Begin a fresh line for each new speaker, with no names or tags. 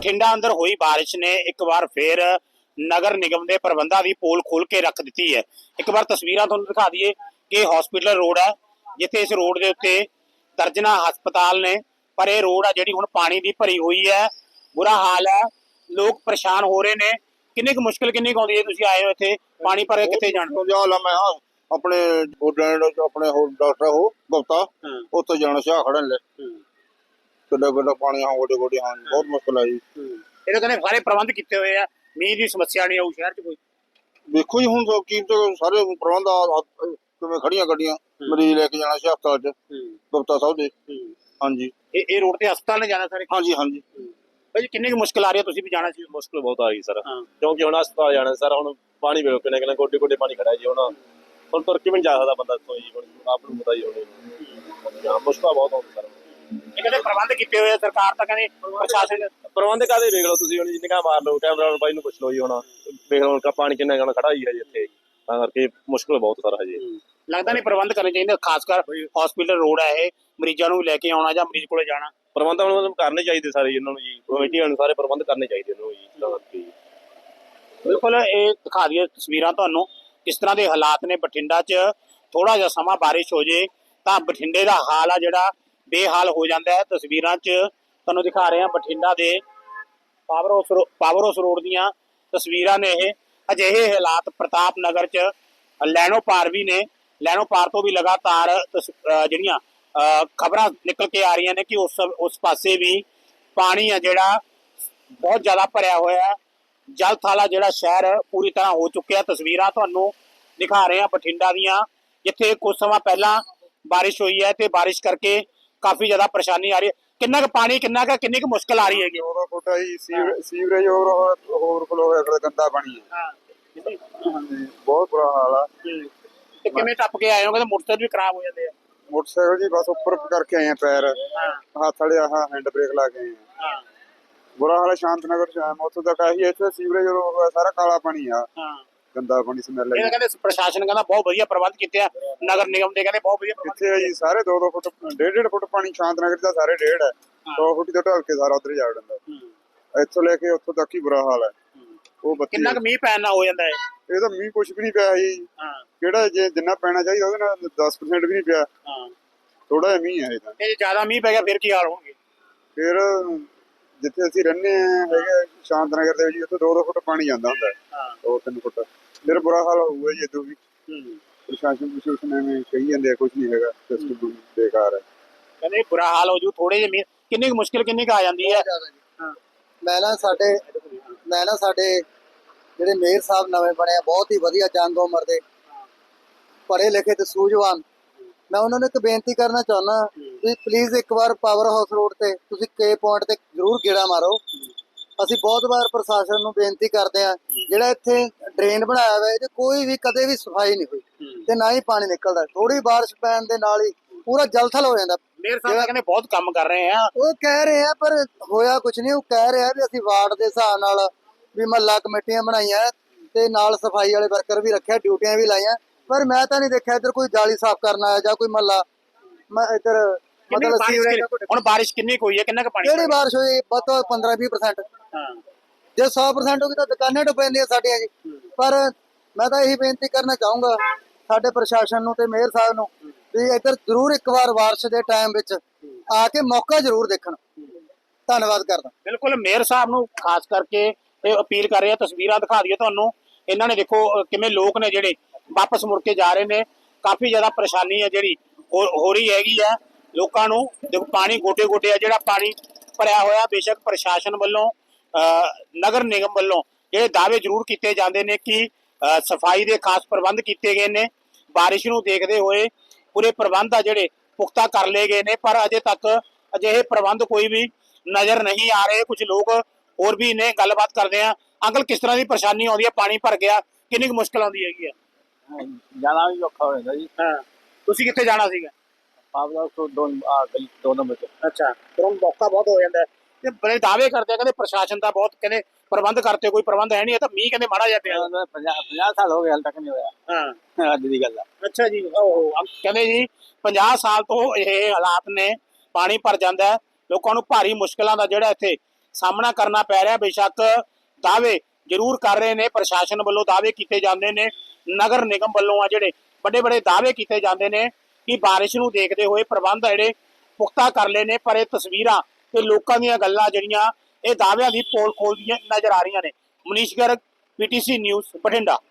ਬਠਿੰਡਾ ਅੰਦਰ ਹੋਈ ਬਾਰਿਸ਼ ਨੇ ਇੱਕ ਵਾਰ ਫੇਰ ਨਗਰ ਨਿਗਮ ਦੇ ਪ੍ਰਬੰਧਾਂ ਦੀ ਪੋਲ ਖੋਲ ਕੇ ਰੱਖ ਦਿੱਤੀ ਹੈ। ਇੱਕ ਵਾਰ ਤਸਵੀਰਾਂ ਤੁਹਾਨੂੰ ਦਿਖਾ ਦਈਏ ਕਿ ਹਸਪੀਟਲ ਰੋਡ ਹੈ, ਜਿੱਥੇ ਇਸ ਰੋਡ ਦੇ ਉੱਤੇ ਦਰਜਨਾਂ ਹਸਪਤਾਲ ਨੇ, ਪਰ ਇਹ ਰੋਡ ਆ ਜਿਹੜੀ ਹੁਣ ਪਾਣੀ ਦੀ ਭਰੀ ਹੋਈ ਹੈ। ਬੁਰਾ ਹਾਲ ਹੈ, ਲੋਕ ਪਰੇਸ਼ਾਨ ਹੋ ਰਹੇ ਨੇ। ਕਿੰਨੀ ਕੁ ਮੁਸ਼ਕਿਲ ਕਿੰਨੀ ਕੁ ਆਉਂਦੀ ਹੈ? ਤੁਸੀਂ ਆਏ ਹੋ ਇੱਥੇ ਪਾਣੀ ਭਰ ਕੇ ਕਿੱਥੇ ਜਾਣਾ?
मैं अपने अपने डॉक्टर हो गुप्ता उत्थे जाना शाह खड़न ले किड्डा किड्डा पानी हाँ गोडे गोडे हाँ बहुत मुश्किल है जी।
ਇਹ ਕਹਿੰਦੇ ਸਾਰੇ ਪ੍ਰਬੰਧ ਕੀਤੇ ਹੋਏ ਆ, ਮੀਂਹ ਦੀ ਸਮੱਸਿਆ ਨਹੀਂ ਆਊ ਸ਼ਹਿਰ 'ਚ ਕੋਈ।
देखो जी हुण की सारे प्रबंध किवें खड़ियां गड्डियां मरीज लेके जाना शाह हस्पताल च गुप्ता साहब दे। हाँ जी
ਇਹ ਰੋਡ ਤੇ ਹਸਪਤਾਲ ਨੇ ਜਾਣਾ ਸਾਰੇ?
हाँ जी हाँ जी।
ਭਾਈ ਕਿੰਨੀ ਕੁ ਮੁਸ਼ਕਿਲ ਆ ਰਹੀ ਹੈ? ਤੁਸੀਂ ਵੀ ਜਾਣਾ ਸੀ?
ਮੁਸ਼ਕਿਲ ਬਹੁਤ ਆ ਗਈ ਸਰ, ਕਿਉਂਕਿ ਹੁਣ ਹਸਪਤਾਲ ਜਾਣਾ ਸਰ, ਹੁਣ ਪਾਣੀ ਵੇਖੋ ਕਿੰਨੇ ਕਿੰਨੇ ਗੋਡੇ ਗੋਡੇ ਪਾਣੀ ਖੜਾ ਜੀ। ਹੁਣ ਤੁਰ ਕੇ ਵੀ ਨਹੀਂ ਜਾ ਸਕਦਾ ਬੰਦਾ ਇੱਥੋਂ ਜੀ, ਹੁਣ ਆਪ ਨੂੰ ਪਤਾ ਹੀ ਹੋਣੀ ਮੁਸ਼ਕਿਲ ਬਹੁਤ ਆਉਂਦੀ ਸਰ।
ਇਹ ਕਹਿੰਦੇ ਪ੍ਰਬੰਧ ਕੀਤੇ ਹੋਏ ਆ ਸਰਕਾਰ, ਤਾਂ ਕਹਿੰਦੇ ਪ੍ਰਸ਼ਾਸਨ
ਪ੍ਰਬੰਧ ਕਾਹਦੇ ਵੇਖ ਲਓ ਤੁਸੀਂ, ਹੁਣ ਨਿਗਾਹ ਮਾਰ ਲਓ, ਕੈਮਰਾ ਵਾਲੇ ਬਾਈ ਨੂੰ ਪੁੱਛ ਲਓ ਜੀ। ਹੁਣ ਵੇਖ ਲਓ ਪਾਣੀ ਕਿੰਨਾ ਗਾਣਾ ਖੜਾ ਹੀ ਹੈ ਜੀ ਇੱਥੇ, ਤਾਂ ਕਰਕੇ ਮੁਸ਼ਕਿਲ ਬਹੁਤ ਸਰ ਹਜੇ।
ਲੱਗਦਾ ਨਹੀਂ ਪ੍ਰਬੰਧ ਕਰਨੇ ਚਾਹੀਦੇ, ਖਾਸ ਕਰ ਹਸਪੀਟਲ ਰੋਡ ਹੈ ਇਹ, ਮਰੀਜ਼ਾਂ ਨੂੰ ਲੈ ਕੇ ਆਉਣਾ ਜਾਂ ਮਰੀਜ਼ ਕੋਲੇ ਜਾਣਾ।
ਪ੍ਰਬੰਧ ਹੁਣ ਕਰਨੇ ਚਾਹੀਦੇ ਸਾਰੇ ਇਹਨਾਂ ਨੂੰ ਜੀ, ਕਮੇਟੀਆਂ ਨੂੰ ਸਾਰੇ ਪ੍ਰਬੰਧ ਕਰਨੇ ਚਾਹੀਦੇ ਇਹਨਾਂ ਨੂੰ ਜੀ, ਤਾਂ ਕਰਕੇ।
ਬਿਲਕੁਲ ਇਹ ਦਿਖਾ ਦਈਏ ਤਸਵੀਰਾਂ ਤੁਹਾਨੂੰ, ਕਿਸ ਤਰ੍ਹਾਂ ਦੇ ਹਾਲਾਤ ਨੇ ਬਠਿੰਡਾ 'ਚ। ਥੋੜਾ ਜਿਹਾ ਸਮਾਂ ਬਾਰਿਸ਼ ਹੋ ਜੇ ਤਾਂ ਬਠਿੰਡੇ ਦਾ ਹਾਲ ਆ ਜਿਹੜਾ ਬੇਹਾਲ ਹੋ ਜਾਂਦਾ ਹੈ। ਤਸਵੀਰਾਂ 'ਚ ਤੁਹਾਨੂੰ ਦਿਖਾ ਰਹੇ ਹਾਂ ਬਠਿੰਡਾ ਦੇ ਪਾਵਰ ਹਾਊਸ ਰੋਡ ਦੀਆਂ ਤਸਵੀਰਾਂ ਨੇ ਇਹ। ਅਜਿਹੇ ਹਾਲਾਤ ਪ੍ਰਤਾਪ ਨਗਰ 'ਚ ਲੈਣੋ ਪਾਰ ਵੀ ਨੇ। ਲੈਣੋ ਪਾਰ ਤੋਂ ਵੀ ਲਗਾਤਾਰ ਜਿਹੜੀਆਂ ਖਬਰਾਂ ਨਿਕਲ ਕੇ ਆ ਰਹੀਆਂ ਨੇ ਕਿ ਉਸ ਪਾਸੇ ਵੀ ਪਾਣੀ ਆ ਜਿਹੜਾ ਬਹੁਤ ਜ਼ਿਆਦਾ ਭਰਿਆ ਹੋਇਆ ਹੈ। ਜਲ ਥਾਲਾ ਜਿਹੜਾ ਸ਼ਹਿਰ ਪੂਰੀ ਤਰ੍ਹਾਂ ਹੋ ਚੁੱਕਿਆ। ਤਸਵੀਰਾਂ ਤੁਹਾਨੂੰ ਦਿਖਾ ਰਹੇ ਹਾਂ ਬਠਿੰਡਾ ਦੀਆਂ, ਜਿੱਥੇ ਕੁਝ ਸਮਾਂ ਪਹਿਲਾਂ ਬਾਰਿਸ਼ ਹੋਈ ਹੈ ਤੇ ਬਾਰਿਸ਼ ਕਰਕੇ ਕਾਫੀ ਜ਼ਿਆਦਾ ਪਰੇਸ਼ਾਨੀ ਆ ਰਹੀ ਹੈ। ਕਿੰਨਾ ਕੁ ਪਾਣੀ, ਕਿੰਨੀ ਕੁ ਮੁਸ਼ਕਿਲ ਆ ਰਹੀ ਹੈਗੀ?
ਫੁੱਟਾ ਜੀ ਸੀਵਰੇਜ ਓਵਰਫਲੋ ਹੋਇਆ, ਗੰਦਾ ਪਾਣੀ ਹੈ। ਬਹੁਤ ਬੁਰਾ ਹਾਲ ਆ।
ਤੇ ਕਿਵੇਂ ਟੱਪ ਕੇ ਆਏ ਹੋ? ਕਹਿੰਦੇ ਮੋਟਰਸਾਈਕਲ ਵੀ ਖਰਾਬ ਹੋ ਜਾਂਦੇ ਆ।
मोटरसाइकिल जी बस ऊपर करके आए हैं पैर, हाथ वाले हैंड ब्रेक ला के आए हैं। बुरा हाल है शांत नगर च आए, उत्थों तक आई इत्थे सीवरेज सारा काला पानी आ, गंदा पानी स्मैल है।
ਕਹਿੰਦੇ ਪ੍ਰਸ਼ਾਸਨ ਕਹਿੰਦਾ ਬਹੁਤ ਵਧੀਆ ਪ੍ਰਬੰਧ ਕੀਤੇ ਆ, ਨਗਰ ਨਿਗਮ ਦੇ ਕਹਿੰਦੇ ਬਹੁਤ ਵਧੀਆ ਪ੍ਰਬੰਧ
ਕਿੱਥੇ ਜੀ, ਸਾਰੇ 2-2 ਫੁੱਟ 1.5 ਫੁੱਟ ਪਾਣੀ ਸ਼ਾਂਤ ਨਗਰ ਦਾ ਸਾਰੇ 1.5 ਹੈ, 2 ਫੁੱਟ ਤੋਂ ਢਲ ਕੇ ਸਾਰਾ ਉਧਰ ਜਾ ਵੜਦਾ। ਇੱਥੋਂ ਲੈ ਕੇ ਉੱਥੋਂ ਤੱਕ ਹੀ ਬੁਰਾ ਹਾਲ ਹੈ। ਉਹ
ਕਿੰਨਾ ਕੁ ਮੀਂਹ ਪੈਣ ਨਾਲ ਹੋ ਜਾਂਦਾ ਹੈ?
ਇਹ ਤਾਂ ਮੀਂਹ ਕੁਛ ਵੀ ਨਹੀਂ ਪਿਆ ਜੀ, ਕਿਹੜਾ ਜੇ ਜਿੰਨਾ ਪੈਣਾ ਚਾਹੀਦਾ ਉਹਦੇ ਨਾਲ 10% ਵੀ ਨਹੀਂ ਪਿਆ, ਥੋੜਾ ਜਿਹਾ ਮੀਂਹ ਹੈ। ਇਹ ਤਾਂ
ਜੇ ਜ਼ਿਆਦਾ ਮੀਂਹ ਪੈ ਗਿਆ ਫਿਰ ਕੀ ਹਾਲ ਹੋਣਗੇ?
ਫਿਰ ਜਿੱਥੇ ਅਸੀਂ ਰਹਿੰਦੇ ਹੈਗੇ ਸ਼ਾਂਤ ਨਗਰ ਦੇ ਵਿੱਚ, ਉੱਥੇ 2-2 ਫੁੱਟ ਪਾਣੀ ਜਾਂਦਾ ਹੁੰਦਾ, 2-3 ਫੁੱਟ, ਫਿਰ ਬੁਰਾ ਹਾਲ ਹੋਊਗਾ ਜੀ। ਇਦੋਂ ਵੀ ਪ੍ਰਸ਼ਾਸਨ ਐਵੇਂ ਕਹੀ ਜਾਂਦੇ ਆ, ਕੁਛ ਨਹੀਂ ਹੈਗਾ, ਸਿਸਟਮ ਬੇਕਾਰ ਹੈ।
ਕਹਿੰਦੇ ਬੁਰਾ ਹਾਲ ਹੋ ਜੂ ਥੋੜੇ ਜਿਹੇ ਮੀਂਹ। ਕਿੰਨੀ ਕੁ ਮੁਸ਼ਕਿਲ ਕਿੰਨੀ ਕੁ ਆ ਜਾਂਦੀ ਹੈ?
ਮੈਂ ਨਾ ਸਾਡੇ ਜਿਹੜੇ ਮੇਅਰ ਸਾਹਿਬ ਨਵੇਂ ਬਣੇ ਆ, ਬਹੁਤ ਹੀ ਵਧੀਆ ਜੰਗ ਉਮਰ ਦੇ ਪੜ੍ਹੇ ਲਿਖੇ ਤੇ ਸੂਝਵਾਨ। ਮੈਂ ਉਹਨਾਂ ਨੂੰ ਇੱਕ ਬੇਨਤੀ ਕਰਨਾ ਚਾਹੁੰਦਾ ਵੀ ਪਲੀਜ਼ ਇੱਕ ਵਾਰ ਪਾਵਰ ਹਾਊਸ ਰੋਡ ਤੇ ਤੁਸੀਂ ਕੇ ਪੁਆਇੰਟ ਤੇ ਜ਼ਰੂਰ ਗੇੜਾ ਮਾਰੋ। ਅਸੀਂ ਬਹੁਤ ਵਾਰ ਪ੍ਰਸ਼ਾਸਨ ਨੂੰ ਬੇਨਤੀ ਕਰਦੇ ਆ, ਜਿਹੜਾ ਇੱਥੇ ਡਰੇਨ ਬਣਾਇਆ ਹੋਇਆ ਇਹਦੇ ਕੋਈ ਵੀ ਕਦੇ ਵੀ ਸਫਾਈ ਨਹੀਂ ਹੋਈ ਤੇ ਨਾ ਹੀ ਪਾਣੀ ਨਿਕਲਦਾ। ਥੋੜੀ ਬਾਰਿਸ਼ ਪੈਣ ਦੇ ਨਾਲ ਹੀ ਪੂਰਾ ਜਲਥਲ ਹੋ ਜਾਂਦਾ।
ਮੇਅਰ ਸਾਹਿਬ ਕਹਿੰਦੇ ਬਹੁਤ ਕੰਮ ਕਰ ਰਹੇ ਆ,
ਉਹ ਕਹਿ ਰਹੇ ਆ ਪਰ ਹੋਇਆ ਕੁਛ ਨਹੀਂ। ਉਹ ਕਹਿ ਰਹੇ ਆ ਵੀ ਅਸੀਂ ਵਾਰਡ ਦੇ ਹਿਸਾਬ ਨਾਲ ਵੀ ਮਹੱਲਾ ਕਮੇਟੀਆਂ ਬਣਾਈਆਂ ਤੇ ਨਾਲ ਸਫਾਈ ਵਾਲੇ ਵਰਕਰ ਵੀ ਰੱਖਿਆ, ਡਿਊਟੀਆਂ ਵੀ ਲਾਈਆਂ, ਪਰ ਮੈਂ ਤਾਂ ਨਹੀਂ ਦੇਖਿਆ ਇੱਧਰ ਕੋਈ ਜਾਲੀ ਸਾਫ਼ ਕਰਨ ਆਇਆ ਜਾਂ ਕੋਈ ਮਹੱਲਾ ਇੱਧਰ ਮਤਲਬ।
ਹੁਣ ਬਾਰਿਸ਼ ਕਿੰਨੀ ਕੁ ਹੋਈ ਹੈ? ਕਿੰਨਾ ਕੁ ਪਾਣੀ?
ਕਿਹੜੀ ਬਾਰਿਸ਼ ਹੋਈ? ਬਸ 15-20%। ਜੇ 100% ਹੋ ਗਈ ਤਾਂ ਦੁਕਾਨਾਂ ਡੁੱਬ ਜਾਂਦੀਆਂ ਸਾਡੀਆਂ ਜੀ। ਪਰ ਮੈਂ ਤਾਂ ਇਹੀ ਬੇਨਤੀ ਕਰਨਾ ਚਾਹੂੰਗਾ ਸਾਡੇ ਪ੍ਰਸ਼ਾਸਨ ਨੂੰ ਤੇ ਮੇਅਰ ਸਾਹਿਬ ਨੂੰ ਵੀ ਇੱਧਰ ਜ਼ਰੂਰ ਇੱਕ ਵਾਰ ਬਾਰਿਸ਼ ਦੇ ਟਾਈਮ ਵਿੱਚ ਆ ਕੇ ਮੌਕਾ ਜ਼ਰੂਰ ਦੇਖਣ। ਧੰਨਵਾਦ ਕਰਦਾ।
ਬਿਲਕੁਲ ਮੇਅਰ ਸਾਹਿਬ ਨੂੰ ਖਾਸ ਕਰਕੇ ਇਹ ਅਪੀਲ ਕਰ ਰਹੇ ਆ। ਤਸਵੀਰਾਂ ਦਿਖਾ ਦਈਏ ਤੁਹਾਨੂੰ, ਇਹਨਾਂ ਨੇ ਦੇਖੋ ਕਿਵੇਂ ਲੋਕ ਨੇ ਜਿਹੜੇ ਵਾਪਸ ਮੁੜ ਕੇ ਜਾ ਰਹੇ ਨੇ। ਕਾਫੀ ਜ਼ਿਆਦਾ ਪਰੇਸ਼ਾਨੀ ਹੈ ਜਿਹੜੀ ਹੋ ਰਹੀ ਹੈਗੀ ਆ ਲੋਕਾਂ ਨੂੰ। ਦੇਖੋ ਪਾਣੀ ਗੋਡੇ ਗੋਡੇ ਆ ਜਿਹੜਾ ਪਾਣੀ ਭਰਿਆ ਹੋਇਆ। ਬੇਸ਼ੱਕ ਪ੍ਰਸ਼ਾਸਨ ਵੱਲੋਂ ਨਗਰ ਨਿਗਮ ਵੱਲੋਂ ਜਿਹੜੇ ਦਾਅਵੇ ਜ਼ਰੂਰ ਕੀਤੇ ਜਾਂਦੇ ਨੇ ਕਿ ਸਫਾਈ ਦੇ ਖਾਸ ਪ੍ਰਬੰਧ ਕੀਤੇ ਗਏ ਨੇ, ਬਾਰਿਸ਼ ਨੂੰ ਦੇਖਦੇ ਹੋਏ ਪੂਰੇ ਪ੍ਰਬੰਧ ਆ ਜਿਹੜੇ ਪੁਖਤਾ ਕਰ ਲਏ ਗਏ ਨੇ, ਪਰ ਅਜੇ ਤੱਕ ਅਜਿਹੇ ਪ੍ਰਬੰਧ ਕੋਈ ਵੀ ਨਜ਼ਰ ਨਹੀਂ ਆ ਰਹੇ। ਕੁਝ ਲੋਕ ਹੋਰ ਵੀ ਨੇ, ਗੱਲਬਾਤ ਕਰਦੇ ਆ। ਅੰਕਲ ਕਿਸ ਤਰ੍ਹਾਂ ਦੀ ਪਰੇਸ਼ਾਨੀ ਆਉਂਦੀ ਹੈ? ਪਾਣੀ ਭਰ ਗਿਆ, ਕਿੰਨੀ ਕੁ ਮੁਸ਼ਕਿਲ ਆਉਂਦੀ ਹੈਗੀ ਆ?
ਜਾਣਾ ਵੀ ਔਖਾ ਹੋ ਜਾਂਦਾ ਜੀ।
ਤੁਸੀਂ ਕਿੱਥੇ ਜਾਣਾ ਸੀਗਾ?
ਦੋ ਨੰਬਰ ਚ।
ਅੱਛਾ, ਫਿਰ ਹੁਣ ਮੌਕਾ ਬਹੁਤ ਹੋ ਜਾਂਦਾ ਤੇ ਬੜੇ ਦਾਅਵੇ ਕਰਦੇ ਆ, ਕਹਿੰਦੇ ਪ੍ਰਸ਼ਾਸਨ ਦਾ ਬਹੁਤ ਕਹਿੰਦੇ ਪ੍ਰਬੰਧ ਕਰਤੇ, ਕੋਈ ਪ੍ਰਬੰਧ ਹੈ ਨਹੀਂ। ਇਹ ਤਾਂ ਮੀਂਹ ਕਹਿੰਦੇ ਮਾੜਾ ਜਾਂਦੇ ਆ।
50 ਸਾਲ ਹੋ ਗਏ ਹਾਲ ਤੱਕ ਨਹੀਂ ਹੋਇਆ। ਅੱਜ ਦੀ ਗੱਲ ਆ।
ਅੱਛਾ ਜੀ, ਕਹਿੰਦੇ ਜੀ 50 ਸਾਲ ਤੋਂ ਇਹ ਹਾਲਾਤ ਨੇ, ਪਾਣੀ ਭਰ ਜਾਂਦਾ ਹੈ। ਲੋਕਾਂ ਨੂੰ ਭਾਰੀ ਮੁਸ਼ਕਲਾਂ ਦਾ ਜਿਹੜਾ ਇੱਥੇ ਸਾਹਮਣਾ ਕਰਨਾ ਪੈ ਰਿਹਾ। ਬੇਸ਼ੱਕ ਦਾਅਵੇ ਜ਼ਰੂਰ ਕਰ ਰਹੇ ਨੇ, ਪ੍ਰਸ਼ਾਸਨ ਵੱਲੋਂ ਦਾਅਵੇ ਕੀਤੇ ਜਾਂਦੇ ਨੇ, ਨਗਰ ਨਿਗਮ ਵੱਲੋਂ ਆ ਜਿਹੜੇ ਵੱਡੇ ਵੱਡੇ ਦਾਅਵੇ ਕੀਤੇ ਜਾਂਦੇ ਨੇ ਕਿ ਬਾਰਿਸ਼ ਨੂੰ ਦੇਖਦੇ ਹੋਏ ਪ੍ਰਬੰਧ ਜਿਹੜੇ ਪੁਖਤਾ ਕਰ ਲਏ ਨੇ, ਪਰ ਇਹ ਤਸਵੀਰਾਂ ਤੇ ਲੋਕਾਂ ਦੀਆਂ ਗੱਲਾਂ ਜਿਹੜੀਆਂ ਇਹ ਦਾਅਵਿਆਂ ਦੀ ਪੋਲ ਖੋਲਦੀਆਂ ਨਜ਼ਰ ਆ ਰਹੀਆਂ ਨੇ। Manish Garg, PTC news, Bathinda.